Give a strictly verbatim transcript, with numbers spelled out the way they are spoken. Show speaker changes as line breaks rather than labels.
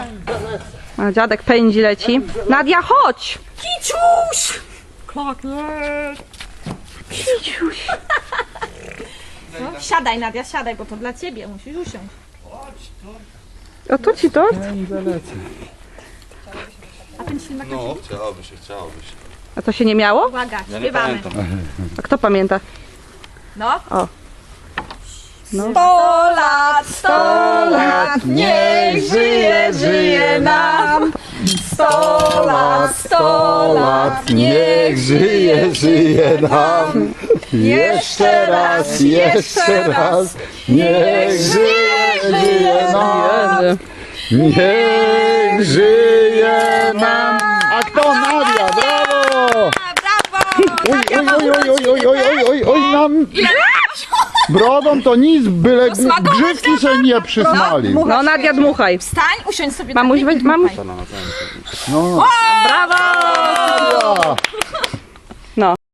A dziadek pędzi, leci. Nadia, chodź!
Kiciuś! Klakiet!
Kiciuś.
No, siadaj, Nadia, siadaj, bo to dla ciebie, musisz usiąść.
A to ci tort?
A ten ślimak na
No,
ciebie?
chciałoby się, chciałoby się.
A to się nie miało?
Uwaga,
Ja nie
śpiewamy.
pamiętam.
A kto pamięta?
No.
O. No.
Sto lat, sto lat, niech żyje, żyje nam. Sto lat, sto lat,
niech żyje, żyje nam. Jeszcze raz, jeszcze raz, niech żyje, żyje nam. Niech żyje nam. A kto? Nadia, brawo!
brawo!
Oj, oj, oj, oj, oj, oj, oj, oj, oj, nam brodą to nic, byle
smakować
grzywki się nie przysmalił.
No Nadia, dmuchaj.
Wstań, usiądź sobie
Mamuś,
tak,
weź, mamuś.
No.
Brawo!